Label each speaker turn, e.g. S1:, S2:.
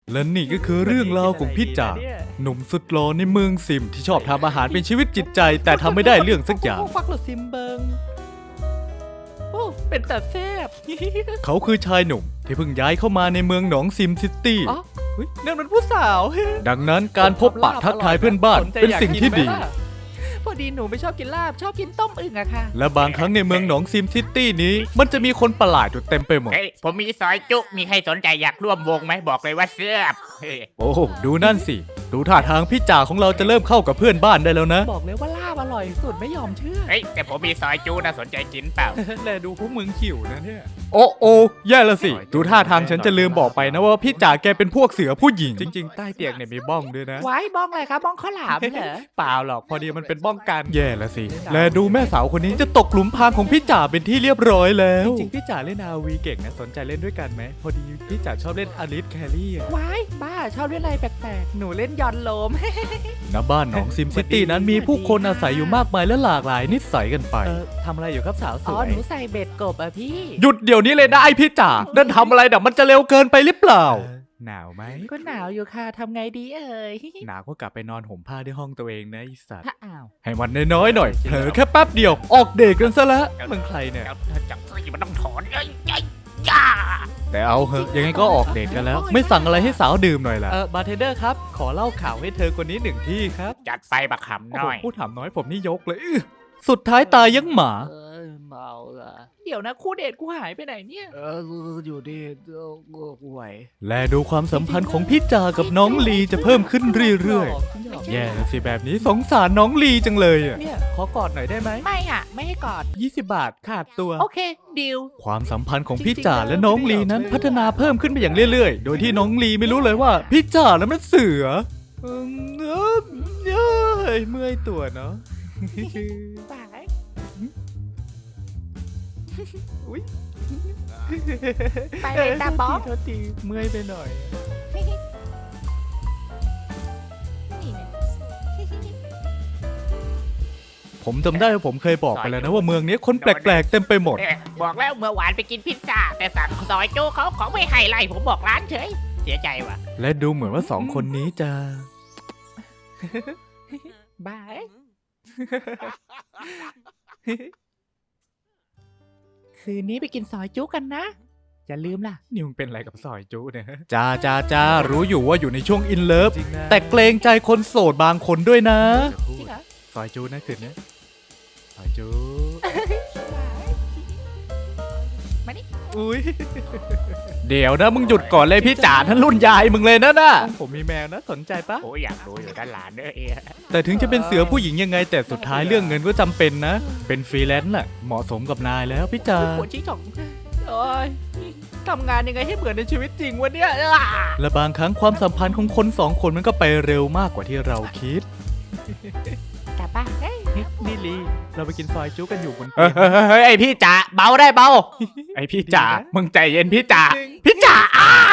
S1: และนี่ก็คือเรื่องราวของพี่จ่าหนุ่มสุดหล่อในเมืองซิมที่ชอบทำอาหารเป็นชีวิตจิตใจแต่ทำไม่ได้เรื่องสักอย่าง
S2: ฟักหลุดซิมเบิงโอ้เป็นแต่แซ่บ
S1: เขาคือชายหนุ่มที่เพิ่งย้ายเข้ามาในเมืองหนองซิมซิตี้
S2: อ๋อเฮ้ยนั่นมันผู้สาว
S1: ดังนั้นการพบปะทักทายเพื่อนบ้านเป็นสิ่งที่ดี
S2: พอดีหนูไม่ชอบกินลาบชอบกินต้มอึ่งอะค่ะ
S1: และบางครั้งในเมืองหนองซิมซิตี้นี้มันจะมีคนประหลาดอยู่เต็มไปหมด
S3: เฮ้ยผมมีซอยจุมีใครสนใจอยากร่วมวงไหมบอกเลยว่าเสื้อบเฮ้ย
S1: โอ้โหดูนั่นสิดูท่าทางพี่จ่าของเราจะเริ่มเข้ากับเพื่อนบ้านได้แล้วนะ
S2: บอกเลยว่าลาบอร่อยสุดไม่ยอมเชื่อ
S3: เฮ้ยแต่ผมมีซอยจุนะสนใจกินเปล่า
S2: แลดูพวกมึงขิวนะเนี่ย
S1: โอ้โอ้แย่ละสิดูท่าทางฉันจะลืมบอกไปนะว่าพี่จ่าแกเป็นพวกเสือผู้หญิงจริงๆใต้เตียงเนี่ยมีบ้องด้วยนะ
S2: ไว้บ้องอะไรครับบ้องข้าวหลามเหรอ
S1: เปล่าหรอกพอดีมันเป็นบ้องกันแย่ละสิและดูแม่สาวคนนี้จะตกหลุมพรางของพี่จ่าเป็นที่เรียบร้อยแล้วจริงๆพี่จ่าเล่นอาวีเก่งนะสนใจเล่นด้วยกันไหมพอดีพี่จ่าชอบเล่นอลิสแครี่อะ
S2: ไว้บ้าชอบเล่นอะไรแปลกๆหนูเล่นยอนโลม
S1: ณบ้านหนองซิมซิตี้นั้นมีผู้คนอาศัยอยู่มากมายและหลากหลายนิสัยกันไปทำอะไรอยู่ครับสาวส
S2: อ๋อ
S1: วย
S2: หนูใส่เบ็ดกบอะพี่
S1: หยุดเดี๋ยวนี้เลยนะไอพี่จ่านั่นทำอะไรเดี๋ยวมันจะเร็วเกินไปหรือเปล่าหนาวไหม
S2: ก็หนาวอยู่ค่ะทำไงดีเอ่ย
S1: หนาวก็กลับไปนอนห่มผ้าที่ห้องตัวเองนะไอสัตว์
S2: ถ้าอ้าว
S1: ให้มันน้อยๆหน่อยเผลอแค่แป๊บเดียวออกเดทกันซะแล้วมึงใครเนี่ย
S3: แล้วจังซี่มันต้องถอนเอ้ยเอ้ยย่า
S1: แต่เอาเหอะยังไงก็ออกเดทกันแล้ว ไม่สั่งอะไรให้สาวดื่มหน่อยล่ะบาร์เทนเดอร์ครับขอเล่าข่าวให้เธอคนนี้หนึ่งที่ครับ
S3: จัดไปบักขำหน่อย
S1: พูดถามน้อยผมนี่ยกเลยสุดท้ายตายยังหมา
S2: เมาละเดี๋ยวนะคู่เดทกูหายไปไหนเนี่ย
S4: อยู่ดีห่วย
S1: และดูความสัมพันธ์ของพี่จากับน้องลีจะเพิ่มขึ้นเรื่อยๆแย่สิแบบนี้สงสารน้องลีจังเลยอ่ะเนี่ยขอกอดหน่อยได้ไหม
S2: ไม่อะไม่ให้กอด
S1: 20 บาทขาดตัว
S2: โอเคดิว
S1: ความสัมพันธ์ของพี่จ่าและน้องลีนั้นพัฒนาเพิ่มขึ้นไปอย่างเรื่อยๆ โดยที่น้องลีไม่รู้เลยว่าพี่จ่านั้นมันเสือเมื่อยตัวเนาะ
S2: สาย ไปเลยตาบ๊อบ
S1: โทษทีเมื่อยไปหน่อย
S2: นี่เนี่ย
S1: ผมจำได้ว่าผมเคยบอกไปแล้วนะว่าเมืองนี้คนแปลกๆเต็มไปหมด
S3: เอ้ยบอกแล้วเมื่อวานไปกินพิซซ่าแต่สั่งซอยจุเขาของไม่ให้ไล่ผมบอกร้านเฉยเสียใจว่ะ
S1: และดูเหมือนว่าสองคนนี้จะ
S2: บาย คืนนี้ไปกินซอยจุกันนะ อย่าลืมล่ะ
S1: นี่มึงเป็นอะไรกับซอยจูเนี่ยจ้ารู้อยู่ว่าอยู่ในช่วงอินเลิฟแต่เกรงใจคนโสดบางคนด้วยนะ
S2: จริงเหรอ
S1: ซอยจูนะคืนนี้ซอยจู
S2: มานี่
S1: อุ้ยเดี๋ยวนะมึงหยุดก่อนเลยพี่จ๋าท่านรุ่นยายมึงเลยนะน่ะผมมีแมวนะสนใจปะ
S3: โอ้ยอยากรู้อยู่ด้านหลานเด้อเอย
S1: แต่ถึงจะเป็นเสือผู้หญิงยังไงแต่สุดท้ายเรื่องเงินก็จำเป็นนะ เป็นฟรีแลนซ์แหละเหมาะสมกับนายแล้วพี่จ๋า
S2: ปวดชี้จ่องโอ้ยทำงานยังไงให้เหมือนในชีวิตจริงวะเนี่ย
S1: และบางครั้งความสัมพันธ์ของคนสองคนมันก็ไปเร็วมากกว่าที่เราคิด
S2: กลับบ้านเฮ้ย
S1: นี่ลีเราไปกินซอยจูกันอยู่บน
S3: เฮ้ยไอพี่จ๋าเบาได้เบา ไอพี่จ๋ามึงใจเย็นพี่จ๋าพี่จ๋า